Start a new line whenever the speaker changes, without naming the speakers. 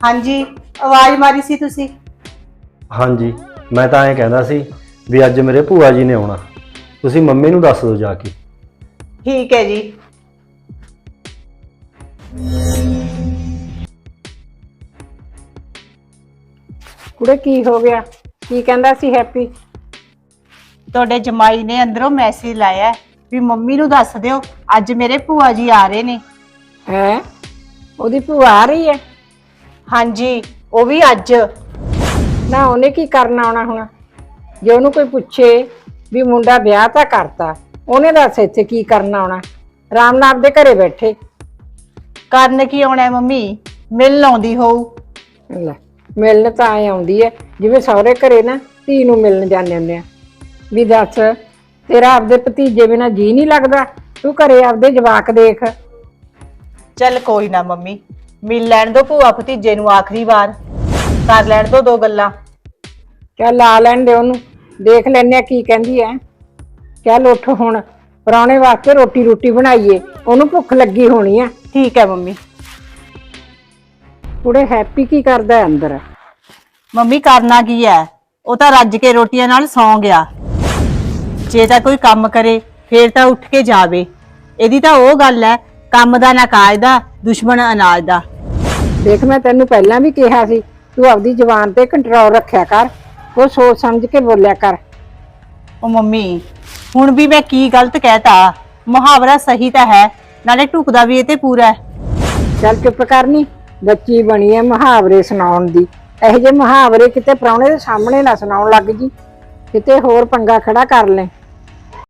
ਹਾਂਜੀ, ਆਵਾਜ਼ ਮਾਰੀ ਸੀ ਤੁਸੀਂ।
ਹਾਂਜੀ, ਮੈਂ ਤਾਂ ਐਂ ਕਹਿੰਦਾ ਸੀ ਵੀ ਅੱਜ ਮੇਰੇ ਭੂਆ ਜੀ ਨੇ ਆਉਣਾ, ਤੁਸੀਂ ਮੰਮੀ ਨੂੰ ਦੱਸ ਦਿਓ ਜਾ ਕੇ।
ਠੀਕ ਹੈ ਜੀ।
ਕੁੜੇ ਕੀ ਹੋ ਗਿਆ? ਕੀ ਕਹਿੰਦਾ ਸੀ ਹੈਪੀ?
ਤੁਹਾਡੇ ਜਮਾਈ ਨੇ ਅੰਦਰੋਂ ਮੈਸੇਜ ਲਾਇਆ ਵੀ ਮੰਮੀ ਨੂੰ ਦੱਸ ਦਿਓ ਅੱਜ ਮੇਰੇ ਭੂਆ ਜੀ ਆ ਰਹੇ ਨੇ।
ਹੈ ਉਹਦੀ ਭੂਆ ਆ ਰਹੀ ਹੈ?
ਹਾਂਜੀ, ਉਹ ਵੀ ਅੱਜ।
ਨਾ ਉਹਨੇ ਕੀ ਕਰਨਾ ਆਉਣਾ ਹੁਣ? ਜੇ ਉਹਨੂੰ ਕੋਈ ਪੁੱਛੇ ਵੀ ਮੁੰਡਾ ਵਿਆਹ ਤਾਂ ਕਰਤਾ, ਉਹਨੇ ਦੱਸ ਇੱਥੇ ਕੀ ਕਰਨਾ ਆਉਣਾ? ਆਰਾਮ ਨਾਲ ਆਪਦੇ ਘਰੇ ਬੈਠੇ।
ਕਰਨ ਕੀ ਆਉਣਾ ਮੰਮੀ, ਮਿਲਣ ਆਉਂਦੀ ਹੋਊ।
ਲੈ, ਮਿਲਣ ਤਾਂ ਐ ਆਉਂਦੀ ਹੈ ਜਿਵੇਂ ਸਹੁਰੇ ਘਰੇ ਨਾ ਧੀ ਨੂੰ ਮਿਲਣ ਜਾਂਦੇ ਹੁੰਦੇ ਆ। ਵੀ ਦੱਸ, ਤੇਰਾ ਆਪਦੇ ਭਤੀਜੇ ਬਿਨਾਂ ਜੀ ਨਹੀਂ ਲੱਗਦਾ? ਤੂੰ ਘਰੇ ਆਪਦੇ ਜਵਾਕ ਦੇਖ।
ਚੱਲ ਕੋਈ ਨਾ ਮੰਮੀ, ਮਿਲ ਲੈਣ ਦੋ ਭੂਆ ਭਤੀਜੇ ਨੂੰ ਆਖਰੀ ਵਾਰ, ਕਰ ਲੈਣ ਦੋ ਦੋ ਗੱਲਾਂ।
ਚੱਲ ਆ ਲੈਣ ਦੇ ਉਹਨੂੰ, ਦੇਖ ਲੈਨੇ ਆ ਕੀ ਕਹਿੰਦੀ ਐ। ਚੱਲ ਉੱਠ ਹੁਣ, ਪ੍ਰਾਹੁਣੇ ਵਾਸਤੇ ਰੋਟੀ ਰੂਟੀ ਬਣਾਈਏ, ਉਹਨੂੰ ਭੁੱਖ ਲੱਗੀ ਹੋਣੀ ਆ।
ਠੀਕ ਹੈ ਮੰਮੀ।
ਕੁੜੇ ਹੈਪੀ ਕੀ ਕਰਦਾ ਹੈ ਅੰਦਰ?
ਮੰਮੀ ਕਰਨਾ ਕੀ ਹੈ, ਉਹ ਤਾਂ ਰੱਜ ਕੇ ਰੋਟੀਆਂ ਨਾਲ ਸੌਂ ਗਿਆ। ਜੇ ਤਾਂ ਕੋਈ ਕੰਮ ਕਰੇ ਫੇਰ ਤਾਂ ਉੱਠ ਕੇ ਜਾਵੇ। ਇਹਦੀ ਤਾਂ ਉਹ ਗੱਲ ਹੈ, ਕੰਮ ਦਾ ਨਾ ਕਾਇਦਾ, ਦੁਸ਼ਮਣ ਅਨਾਜ ਦਾ।
ਦੇਖ, ਮੈਂ ਤੈਨੂੰ ਪਹਿਲਾਂ ਵੀ ਕਿਹਾ ਸੀ ਤੂੰ ਆਪਦੀ ਜ਼ੁਬਾਨ ਤੇ ਕੰਟਰੋਲ ਰੱਖਿਆ ਕਰ, ਉਹ ਸੋਚ ਸਮਝ ਕੇ ਬੋਲਿਆ ਕਰ।
ਉਹ ਮੰਮੀ, ਹੁਣ ਵੀ ਮੈਂ ਕੀ ਗਲਤ ਕਹਿਤਾ? ਮੁਹਾਵਰਾ ਸਹੀ ਤਾਂ ਹੈ, ਨਾਲੇ ਢੁਕਦਾ ਵੀ ਇਹ ਤੇ ਪੂਰਾ ਹੈ।
ਚੱਲ ਚੁੱਪ ਕਰਨੀ, ਬੱਚੀ ਬਣੀ ਐ ਮੁਹਾਵਰੇ ਸੁਣਾਉਣ ਦੀ। ਇਹੋ ਜਿਹੇ ਮੁਹਾਵਰੇ ਕਿਤੇ ਪ੍ਰਾਹੁਣੇ ਦੇ ਸਾਹਮਣੇ ਨਾ ਸੁਣਾਉਣ ਲੱਗ ਜੀ, ਕਿਤੇ ਹੋਰ ਪੰਗਾ ਖੜਾ ਕਰ ਲੈ।